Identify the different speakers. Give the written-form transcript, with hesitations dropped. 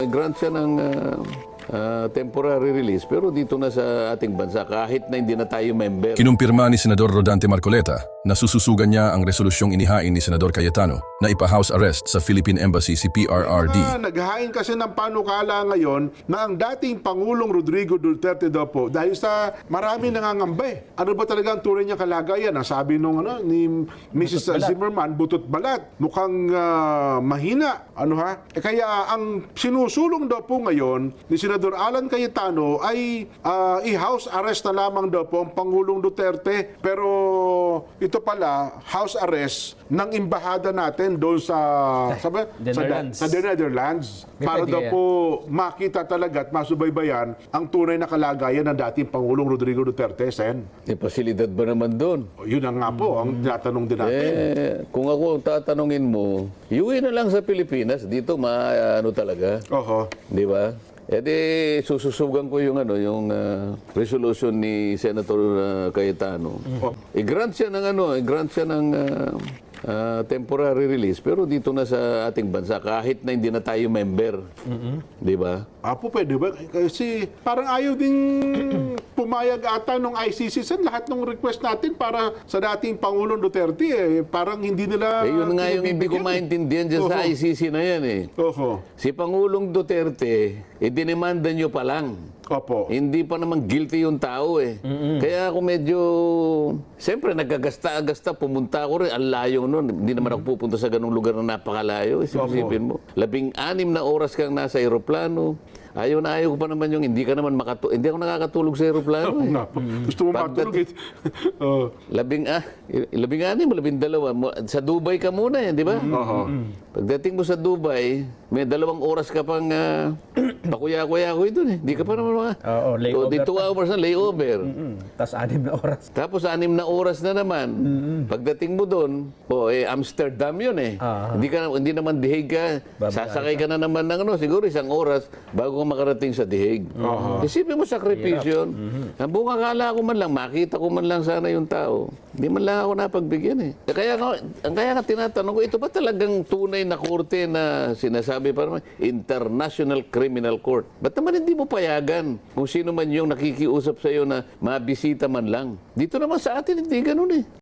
Speaker 1: Grant siya ng temporary release pero dito na sa ating bansa kahit na hindi na tayo member.
Speaker 2: Kinumpirma ni Senador Rodante Marcoleta na sususugan niya ang resolusyong inihain ni Senador Cayetano na ipa-house arrest sa Philippine Embassy si PRRD.
Speaker 3: Naghahain kasi ng panukala ngayon na ang dating Pangulong Rodrigo Duterte daw po dahil sa marami nangangamba eh. Ano ba talaga ang tunay niya kalagayan? Ang sabi nung ni Mrs. Zimmerman, butot balat. Mukhang mahina. Ano ha? Kaya ang sinusulong daw po ngayon ni Senador Alan Cayetano ay i-house arrest na lamang daw po ang Pangulong Duterte. Pero ito pala, house arrest ng imbahada natin doon sa The Netherlands. Para daw po makita talaga at masubaybayan ang tunay na kalagayan ng dating Pangulong Rodrigo Duterte, Sen.
Speaker 1: May pasilidad ba naman doon?
Speaker 3: Yun ang nga po, ang tinatanong din natin.
Speaker 1: Kung ako ang tatanungin mo, iuwi na lang sa Pilipinas. Dito ano talaga.
Speaker 3: Oho.
Speaker 1: Di ba? Sususugan ko yung resolution ni Senator Cayetano. I-grant siya ng temporary release pero dito na sa ating bansa kahit na hindi na tayo member. Di ba?
Speaker 3: Apo, pwede ba? Kasi parang ayaw din pumayag ata nung ICC sa lahat ng request natin para sa dating Pangulong Duterte. Parang hindi nila...
Speaker 1: Yun nga yung hindi ko maintindihan dyan sa ICC na yan eh.
Speaker 3: Oho.
Speaker 1: Si Pangulong Duterte, dinemanda nyo pa lang.
Speaker 3: Opo.
Speaker 1: Hindi pa naman guilty yung tao eh. Kaya ako medyo... Siyempre, nagkagasta-agasta. Pumunta ako rin. Ang layo nun. Hindi naman ako pupunta sa ganung lugar na napakalayo. Isipin mo. 16 na oras kang nasa aeroplano. Ayaw na ayaw ko pa naman yung hindi ako nakakatulog sa aeroplano.
Speaker 3: Gusto mo matulog eh.
Speaker 1: 12. Sa Dubai ka muna eh, di ba? Pagdating mo sa Dubai, may 2 oras ka pang pakuya-kuya-kuy doon eh. Di ka pa naman
Speaker 4: layover.
Speaker 1: Di 2 hours na layover.
Speaker 4: Tapos 6 na oras.
Speaker 1: Tapos 6 na oras na naman. Pagdating mo doon, Amsterdam yun eh. Hindi naman dihig ka. Sasakay ka na naman ng siguro 1 oras bago ka makarating sa dihig. Isipin mo sakripisyon. Ang buong akala ko man lang, makita ko man lang sana yung tao. Hindi man lang ako napagbigyan eh. Kaya nga tinatanong ko, ito ba talagang tunay na korte na sinasabi pa naman, International Criminal Court? Ba't naman hindi mo payagan kung sino man yung nakikiusap sa iyo na mabisita man lang? Dito naman sa atin, hindi ganun eh.